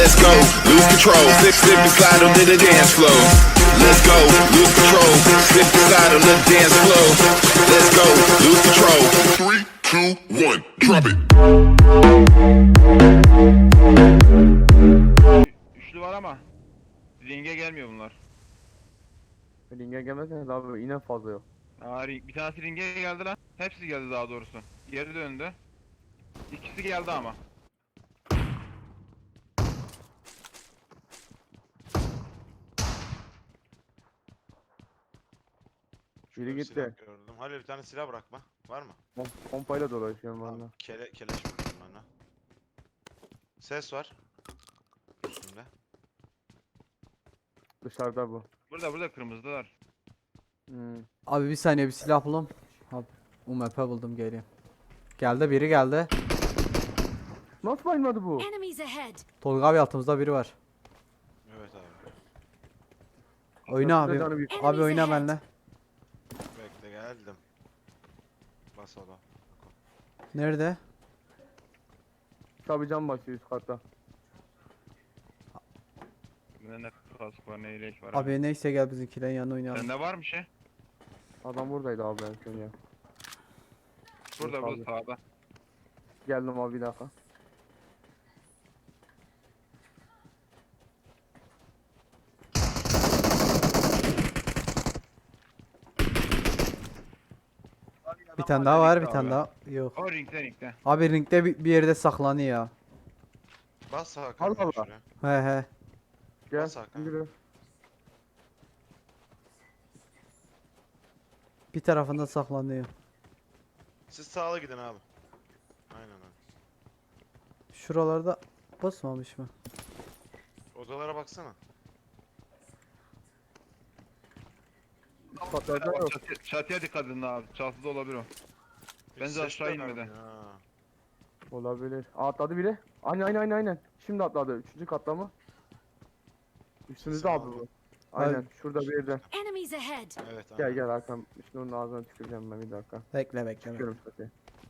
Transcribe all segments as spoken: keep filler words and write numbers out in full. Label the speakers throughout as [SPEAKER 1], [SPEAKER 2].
[SPEAKER 1] Let's go, lose control. Slip, slip and slide onto the dance floor. Let's go, lose control. Slip and slide on the dance floor. Let's go, lose control. Three, two, one, drop it.
[SPEAKER 2] Üçlü var ama ringe gelmiyor bunlar.
[SPEAKER 3] Ringe gelmezseniz abi yine fazla yok.
[SPEAKER 2] Aa, ring, bir tanesi ringe geldi lan. Hepsi geldi daha doğrusu. Geri döndü. İkisi geldi ama.
[SPEAKER 3] Biri
[SPEAKER 4] Bir
[SPEAKER 3] gitti.
[SPEAKER 4] silah gördüm. Halil bir tane silah bırakma. Var mı?
[SPEAKER 3] Pom pompayla dolaşıyorum
[SPEAKER 4] Tamam.
[SPEAKER 3] valla.
[SPEAKER 4] Kele, keleş vurdum bana. Ses var. Üstümde.
[SPEAKER 3] Dışarıda bu.
[SPEAKER 2] Burada burada kırmızılar.
[SPEAKER 3] Hmm.
[SPEAKER 5] Abi bir saniye bir silah bulalım. Abi U M P buldum geliyor. Geldi biri geldi.
[SPEAKER 3] Nasıl bayılmadı bu?
[SPEAKER 6] Enemies ahead.
[SPEAKER 5] Tolga abi altımızda biri var.
[SPEAKER 4] Evet abi.
[SPEAKER 5] Oyna
[SPEAKER 3] Nasıl
[SPEAKER 5] abi.
[SPEAKER 3] canı bir-
[SPEAKER 5] Abi oyna benimle.
[SPEAKER 4] Bekle geldim. Bas oğlum.
[SPEAKER 5] Nerede?
[SPEAKER 3] Tabii can başlıyor üst katta.
[SPEAKER 2] Bunda ne kask var ne yelek var.
[SPEAKER 5] Abi neyse gel bizimkilerin yanına oynayalım.
[SPEAKER 2] Sende var mı şey?
[SPEAKER 3] Adam buradaydı abi en son ya.
[SPEAKER 2] Burada
[SPEAKER 3] Yok
[SPEAKER 2] burada
[SPEAKER 3] abi.
[SPEAKER 2] sağda.
[SPEAKER 3] Geldim abi bir dakika.
[SPEAKER 5] Bir tane daha var bir
[SPEAKER 2] Ringde
[SPEAKER 5] tane
[SPEAKER 2] abi.
[SPEAKER 5] daha. Yok.
[SPEAKER 2] O ringde ringde.
[SPEAKER 5] Abi ringde bir, bir yerde saklanıyor ya.
[SPEAKER 4] Bas Hakan.
[SPEAKER 3] Allah
[SPEAKER 4] gel
[SPEAKER 3] Allah.
[SPEAKER 4] şuraya.
[SPEAKER 5] He he.
[SPEAKER 3] Gel.
[SPEAKER 4] Bas Hakan.
[SPEAKER 3] Yürü.
[SPEAKER 5] Bir tarafında saklanıyor.
[SPEAKER 4] Siz sağla gidin abi. Aynen öyle.
[SPEAKER 5] Şuralarda basmamış mı?
[SPEAKER 4] Odalara baksana.
[SPEAKER 3] Patlayacak yok.
[SPEAKER 2] Çatı, çatıya dikkat edin abi. Çatıda olabilir o.
[SPEAKER 4] Hiç
[SPEAKER 2] Bence
[SPEAKER 4] ses
[SPEAKER 2] aşağı
[SPEAKER 4] de
[SPEAKER 2] inmedi.
[SPEAKER 4] vermiyor ha.
[SPEAKER 3] Olabilir. Aa, atladı biri. Aynen aynen aynen aynen. Şimdi atladı. Üçüncü katta mı? Üstümüzde
[SPEAKER 4] Sesini
[SPEAKER 3] abi bu.
[SPEAKER 4] aldım.
[SPEAKER 3] Aynen.
[SPEAKER 5] Abi-
[SPEAKER 3] Şurada bir yerde.
[SPEAKER 6] Enemies ahead.
[SPEAKER 4] Evet abi.
[SPEAKER 3] Gel gel Hakan. Şimdi onun ağzına tüküreceğim ben bir dakika.
[SPEAKER 5] Bekle bekle. bekle.
[SPEAKER 3] Çıkıyorum zaten.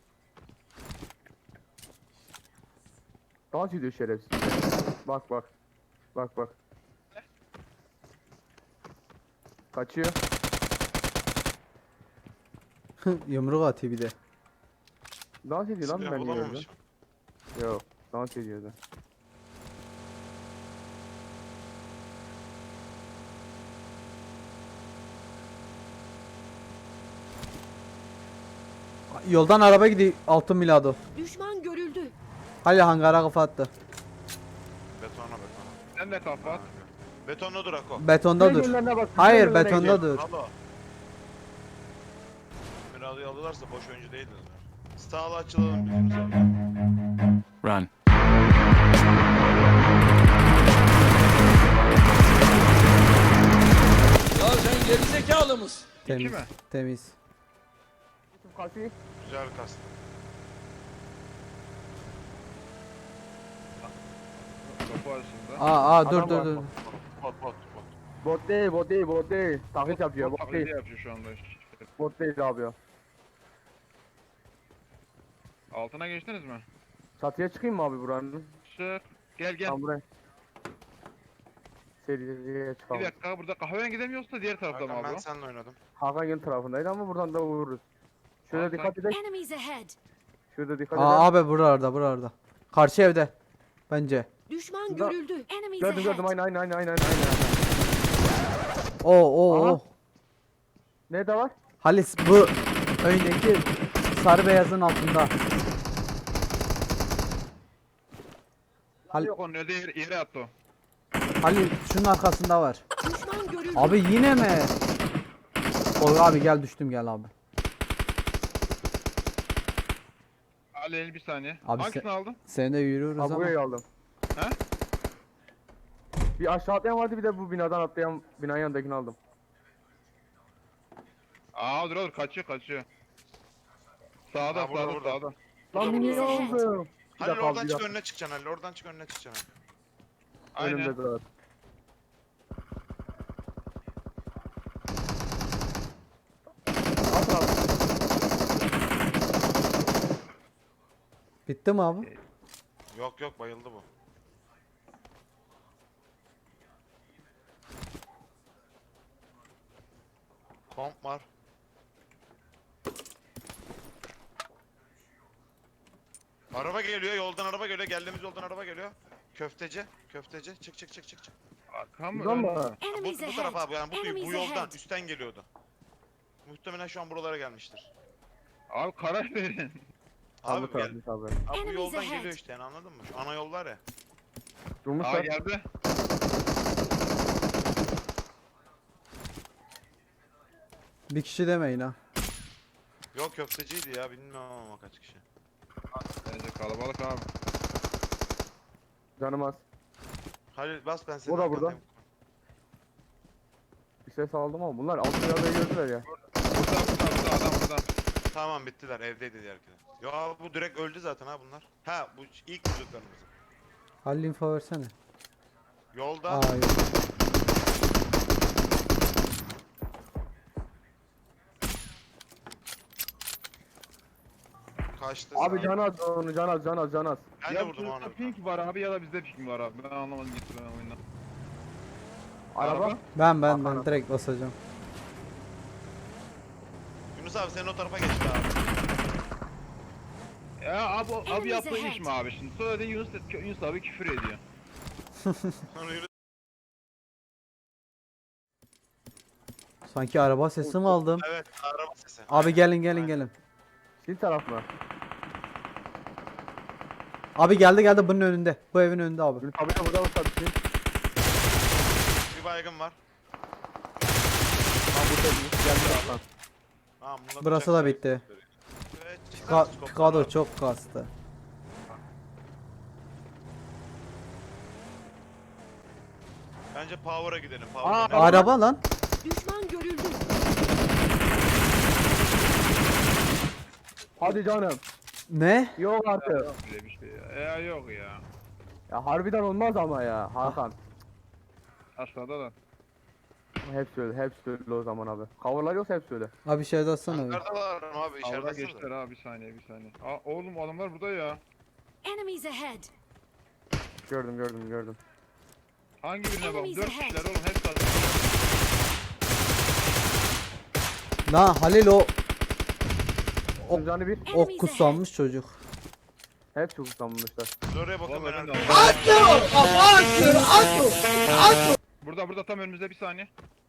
[SPEAKER 3] Dans ediyor şerefsiz. Bak bak. Bak bak. Kaçıyor.
[SPEAKER 5] Yumruk atıyor bir de.
[SPEAKER 3] Dans ediyor lan
[SPEAKER 4] Silah
[SPEAKER 3] ben niye öyle?
[SPEAKER 4] bulamamışım.
[SPEAKER 3] Yok. Dans ediyordu.
[SPEAKER 5] Yoldan araba gidiyor altın milado.
[SPEAKER 6] Düşman görüldü.
[SPEAKER 5] Hadi hangara kafa attı.
[SPEAKER 4] Betona betona.
[SPEAKER 2] Sen de kafa at.
[SPEAKER 4] Betonda dur Ako.
[SPEAKER 5] Betonda dur.
[SPEAKER 3] Önlerine bak,
[SPEAKER 5] Hayır
[SPEAKER 3] önlerine
[SPEAKER 5] betonda
[SPEAKER 3] gidiyor.
[SPEAKER 5] dur.
[SPEAKER 4] Alo. Mirado'yu alırlarsa boş oyuncu değildir. Sağla açılalım birimiz abi.
[SPEAKER 7] Run.
[SPEAKER 8] Ya sen gerizekalı mısın?
[SPEAKER 5] Temiz.
[SPEAKER 2] mi?
[SPEAKER 5] Temiz.
[SPEAKER 3] Kaçıyor.
[SPEAKER 4] Güzel kastı.
[SPEAKER 2] Kapı arasında.
[SPEAKER 5] Aa aa dur
[SPEAKER 3] Adam
[SPEAKER 5] dur
[SPEAKER 3] var.
[SPEAKER 5] dur.
[SPEAKER 4] Bot bot bot.
[SPEAKER 3] Bot değil, bot değil, bot değil. Taklit yapıyor, bot
[SPEAKER 2] Taklidi
[SPEAKER 3] değil.
[SPEAKER 2] yapıyor şu anda.
[SPEAKER 3] Bot değil abi ya.
[SPEAKER 2] Altına geçtiniz mi?
[SPEAKER 3] Çatıya çıkayım mı abi buranın?
[SPEAKER 2] Çık. Gel gel.
[SPEAKER 3] Tamam buraya. Seriye
[SPEAKER 2] Bir
[SPEAKER 3] çıkalım.
[SPEAKER 2] dakika burada kahveye gidemiyorsa diğer tarafta mı
[SPEAKER 4] Hakan
[SPEAKER 2] abi
[SPEAKER 4] ben
[SPEAKER 2] o?
[SPEAKER 4] seninle oynadım.
[SPEAKER 3] Hakan yan tarafındaydı ama buradan da vururuz. Şöyle
[SPEAKER 2] Hakan-
[SPEAKER 3] dikkat edelim.
[SPEAKER 6] Enemies ahead.
[SPEAKER 3] Şurada dikkat edelim.
[SPEAKER 5] Aa abi buralarda buralarda. Karşı evde. Bence.
[SPEAKER 6] Düşman
[SPEAKER 3] Şurada-
[SPEAKER 6] görüldü. Enemies
[SPEAKER 3] Gördüm gördüm
[SPEAKER 6] ahead.
[SPEAKER 3] aynen aynen aynen aynen aynen.
[SPEAKER 5] Oo oo
[SPEAKER 3] Aha.
[SPEAKER 5] oo.
[SPEAKER 3] Ne de var?
[SPEAKER 5] Halis bu öndeki sarı beyazın altında. Hal
[SPEAKER 2] Yok onun öde yere, yere attı o.
[SPEAKER 5] Halil şunun arkasında var.
[SPEAKER 6] Düşman görüldü.
[SPEAKER 5] Abi yine mi? Tolga abi gel düştüm gel abi.
[SPEAKER 2] Ali bir saniye.
[SPEAKER 5] Abi
[SPEAKER 2] Hangisini
[SPEAKER 5] sen-
[SPEAKER 2] aldın?
[SPEAKER 5] Seni de yürüyoruz
[SPEAKER 3] Ha
[SPEAKER 5] ama.
[SPEAKER 3] burayı aldım.
[SPEAKER 2] He?
[SPEAKER 3] Bir aşağı atlayan vardı bir de bu binadan atlayan binanın yanındakini aldım.
[SPEAKER 2] Aa dur dur kaçıyor kaçıyor. Sağda
[SPEAKER 4] Ha, burada,
[SPEAKER 2] sağda
[SPEAKER 4] burada.
[SPEAKER 2] sağda.
[SPEAKER 3] Lan
[SPEAKER 6] Enemies
[SPEAKER 3] niye
[SPEAKER 6] ahead.
[SPEAKER 3] oldu? Bir
[SPEAKER 4] Halil
[SPEAKER 3] dakika abi,
[SPEAKER 4] oradan
[SPEAKER 3] bir
[SPEAKER 4] çık
[SPEAKER 3] dakika.
[SPEAKER 4] önüne çıkacaksın Halil. Oradan çık önüne çıkacaksın.
[SPEAKER 2] Aynen.
[SPEAKER 3] Önümde dur. At abi.
[SPEAKER 5] Bitti mi abi?
[SPEAKER 4] Yok yok bayıldı bu. Bomb var. Araba geliyor, yoldan araba geliyor. Geldiğimiz yoldan araba geliyor. Köfteci, köfteci. Çık çık çık çık çık.
[SPEAKER 2] Arkam mı?
[SPEAKER 3] Buradan
[SPEAKER 2] ön mü?
[SPEAKER 3] mı?
[SPEAKER 4] Bu,
[SPEAKER 6] Enemies
[SPEAKER 4] bu taraf
[SPEAKER 6] ahead.
[SPEAKER 4] abi yani bu, bu
[SPEAKER 6] Enemies
[SPEAKER 4] yoldan
[SPEAKER 6] ahead.
[SPEAKER 4] üstten geliyordu. Muhtemelen şu an buralara gelmiştir.
[SPEAKER 2] Abi karar verin.
[SPEAKER 4] Abi
[SPEAKER 3] Abi
[SPEAKER 4] gel.
[SPEAKER 3] tabii tabii.
[SPEAKER 4] Abi bu
[SPEAKER 6] Enemies
[SPEAKER 4] yoldan
[SPEAKER 6] ahead.
[SPEAKER 4] geliyor işte yani anladın mı? Şu ana yol var ya.
[SPEAKER 2] Aa
[SPEAKER 3] Durmuşlar.
[SPEAKER 2] geldi.
[SPEAKER 5] Bir kişi demeyin ha.
[SPEAKER 4] Yok köfteciydi ya bilmiyorum ama kaç kişi.
[SPEAKER 2] Bence kalabalık abi.
[SPEAKER 3] Canım az.
[SPEAKER 4] Halil bas ben seni.
[SPEAKER 3] O da burada. Bir ses aldım ama bunlar alt dünyada gördüler ya.
[SPEAKER 2] Burada burada burada adam burada.
[SPEAKER 4] Tamam bittiler evdeydi diğerkiler. Ya bu direkt öldü zaten ha bunlar. Ha bu ilk vurduklarımız.
[SPEAKER 5] Halil info versene.
[SPEAKER 4] Yolda.
[SPEAKER 5] Aa yok.
[SPEAKER 4] Kaçtı.
[SPEAKER 3] Abi
[SPEAKER 4] sağ-
[SPEAKER 3] can az onu can az can az can az.
[SPEAKER 4] Ben
[SPEAKER 2] ya
[SPEAKER 4] de vurdum
[SPEAKER 2] burada
[SPEAKER 4] onu.
[SPEAKER 2] pink var abi ya da bizde pink var abi. Ben anlamadım gitti ben oyundan.
[SPEAKER 3] Araba.
[SPEAKER 2] Araba.
[SPEAKER 5] Ben ben ben
[SPEAKER 3] Aha.
[SPEAKER 5] direkt basacağım.
[SPEAKER 4] Yunus abi sen o tarafa geçti abi.
[SPEAKER 2] Ya abi, abi
[SPEAKER 6] Enemies
[SPEAKER 2] yaptığı
[SPEAKER 6] ahead.
[SPEAKER 2] iş mi abi şimdi? Sonra da Yunus, Yunus abi küfür ediyor.
[SPEAKER 4] Sonra Yunus
[SPEAKER 5] Sanki araba sesi mi aldım?
[SPEAKER 4] evet araba sesi.
[SPEAKER 5] Abi gelin gelin
[SPEAKER 4] Aynen.
[SPEAKER 5] gelin.
[SPEAKER 3] Sil taraf mı?
[SPEAKER 5] Abi geldi geldi bunun önünde. Bu evin önünde abi.
[SPEAKER 3] Ünlü tabi de burada olsa bir şey.
[SPEAKER 4] Bir baygın var.
[SPEAKER 3] Ha burada bir geldi lan.
[SPEAKER 4] Tamam, bunlar
[SPEAKER 5] Burası
[SPEAKER 4] bıçak
[SPEAKER 5] da bitti.
[SPEAKER 4] Evet,
[SPEAKER 5] Pika-
[SPEAKER 4] scope
[SPEAKER 5] Pikado
[SPEAKER 4] var.
[SPEAKER 5] çok kastı.
[SPEAKER 4] Bence Power'a gidelim.
[SPEAKER 3] Aa,
[SPEAKER 4] Power'a ne-
[SPEAKER 5] Araba lan.
[SPEAKER 6] Düşman görüldü.
[SPEAKER 3] Hadi canım.
[SPEAKER 5] Ne?
[SPEAKER 3] Yok artık.
[SPEAKER 2] Öyle bir şey ya. Ya yok ya.
[SPEAKER 3] Ya harbiden olmaz ama ya Hakan.
[SPEAKER 2] Aşağıda da.
[SPEAKER 3] Hepsi öyle, hepsi öyle o zaman abi. Coverlar yoksa hepsi öyle.
[SPEAKER 5] Abi bir şey de atsana. bir.
[SPEAKER 4] Hangardalar mı abi
[SPEAKER 2] Avra
[SPEAKER 4] içeride
[SPEAKER 2] geçtiler abi bir saniye bir saniye. Aa, oğlum adamlar burada ya.
[SPEAKER 6] Enemies ahead.
[SPEAKER 3] Gördüm gördüm gördüm.
[SPEAKER 2] Hangi birine bak?
[SPEAKER 6] Enemies
[SPEAKER 2] Dört
[SPEAKER 6] ahead.
[SPEAKER 2] kişiler oğlum hepsi adam.
[SPEAKER 5] Lan Halil o
[SPEAKER 3] O... Canı bir.
[SPEAKER 5] ok kusanmış çocuk.
[SPEAKER 3] Hepsi kutlanmışlar.
[SPEAKER 4] Oraya bakın
[SPEAKER 2] Vallahi
[SPEAKER 4] ben
[SPEAKER 2] ben de
[SPEAKER 4] arkada.
[SPEAKER 2] Burada burada tam önümüzde bir saniye.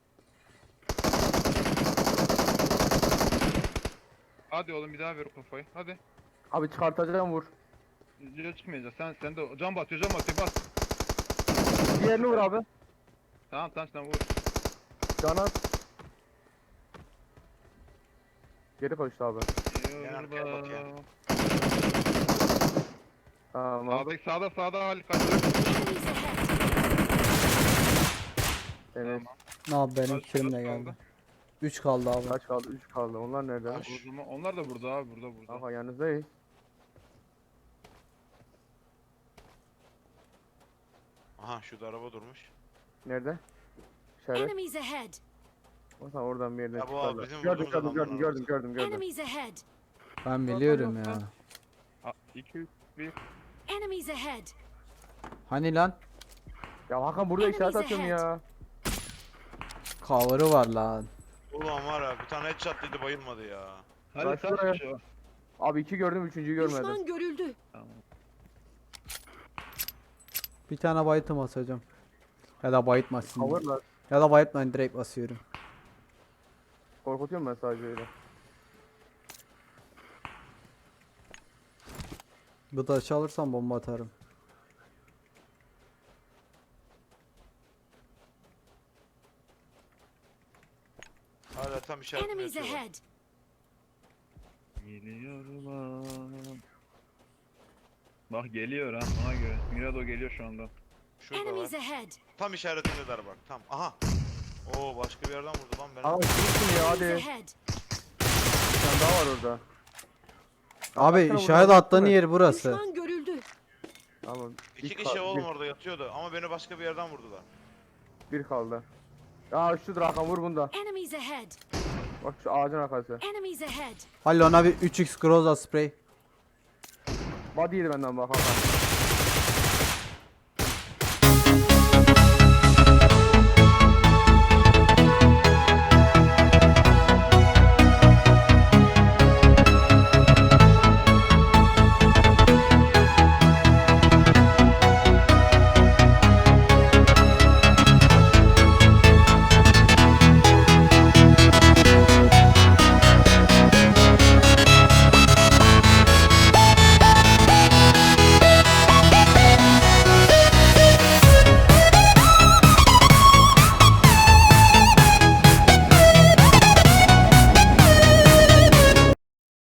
[SPEAKER 2] Hadi oğlum bir daha ver o kafayı. Hadi.
[SPEAKER 3] Abi çıkartacağım vur.
[SPEAKER 2] Yüze çıkmayacağız. Sen sen de can batıyor can batıyor bas.
[SPEAKER 3] Diğerini vur abi.
[SPEAKER 2] Tamam tamam sen vur.
[SPEAKER 3] Can az. Geri koştu abi.
[SPEAKER 2] Yolda.
[SPEAKER 4] arkaya bak ya.
[SPEAKER 3] Tamam.
[SPEAKER 2] Sağdaki sağda sağda Halil kaçıyor.
[SPEAKER 6] Enemies ahead.
[SPEAKER 3] Evet.
[SPEAKER 5] Ne abi benim
[SPEAKER 2] Kaç-
[SPEAKER 5] kilim
[SPEAKER 2] kaç
[SPEAKER 5] de
[SPEAKER 2] kaldı?
[SPEAKER 5] geldi. üç kaldı abi.
[SPEAKER 3] Kaç kaldı? üç kaldı. Onlar nerede?
[SPEAKER 4] Kaç?
[SPEAKER 2] O zaman onlar da burada abi burada burada.
[SPEAKER 3] Aha yanınızdayız.
[SPEAKER 4] Aha şurada araba durmuş.
[SPEAKER 3] Nerede? İşaret.
[SPEAKER 6] Enemies ahead.
[SPEAKER 3] O zaman oradan bir yerden
[SPEAKER 4] Ya bu
[SPEAKER 3] çıkarlar.
[SPEAKER 4] abi bizim
[SPEAKER 3] Gördüm
[SPEAKER 4] vurduğumuz
[SPEAKER 3] gördüm gördüm
[SPEAKER 4] adamların
[SPEAKER 3] gördüm gördüm gördüm.
[SPEAKER 6] Enemies ahead.
[SPEAKER 5] Ben biliyorum ya.
[SPEAKER 2] iki üç bir.
[SPEAKER 6] Enemies ahead.
[SPEAKER 5] Hani lan?
[SPEAKER 3] Ya Hakan burada
[SPEAKER 6] Enemies
[SPEAKER 3] işaret atıyorum
[SPEAKER 6] ahead.
[SPEAKER 3] ya.
[SPEAKER 5] Cover'ı var lan.
[SPEAKER 4] Ulan var ya bir tane headshot dedi bayılmadı ya.
[SPEAKER 2] Halil
[SPEAKER 3] Kaç
[SPEAKER 2] kaç
[SPEAKER 3] buraya?
[SPEAKER 2] kişi o?
[SPEAKER 3] Abi iki gördüm üçüncüyü görmedim.
[SPEAKER 6] Düşman görüldü.
[SPEAKER 5] Bir tane bayıtım basacağım. Ya da bayıtmasın.
[SPEAKER 3] Coverlar.
[SPEAKER 5] Ya da bayıtmayın direkt basıyorum.
[SPEAKER 3] Korkutuyorum ben sadece öyle.
[SPEAKER 5] Bu da çalırsam bomba atarım.
[SPEAKER 4] Hala tam işaretini
[SPEAKER 6] Enemies
[SPEAKER 4] yapıyorlar.
[SPEAKER 6] ahead.
[SPEAKER 2] Geliyorum. Bak geliyor ha ona göre. Mirado geliyor şu anda.
[SPEAKER 4] Şurada var.
[SPEAKER 6] Enemies ahead.
[SPEAKER 4] Tam işaretindeler bak. Tam. Aha. Oo başka bir yerden vurdu lan beni.
[SPEAKER 3] Aa kimsin ya hadi.
[SPEAKER 6] Enemies ahead.
[SPEAKER 3] Bir tane daha var orada.
[SPEAKER 5] Abi
[SPEAKER 3] Baksana
[SPEAKER 5] işaret
[SPEAKER 3] buradan
[SPEAKER 5] attığın
[SPEAKER 3] baksana.
[SPEAKER 5] yer burası.
[SPEAKER 6] Düşman görüldü.
[SPEAKER 3] Tamam.
[SPEAKER 4] İki
[SPEAKER 3] bir
[SPEAKER 4] kişi
[SPEAKER 3] kal-
[SPEAKER 4] oğlum
[SPEAKER 3] bir-
[SPEAKER 4] orada yatıyordu ama beni başka bir yerden vurdular.
[SPEAKER 3] Bir kaldı. Aa şudur Hakan vur bunda.
[SPEAKER 6] Enemies ahead.
[SPEAKER 3] Bak şu ağacın arkası.
[SPEAKER 6] Enemies ahead.
[SPEAKER 5] Halil ona bir üç x Groza spray.
[SPEAKER 3] Body yedi benden bak Hakan.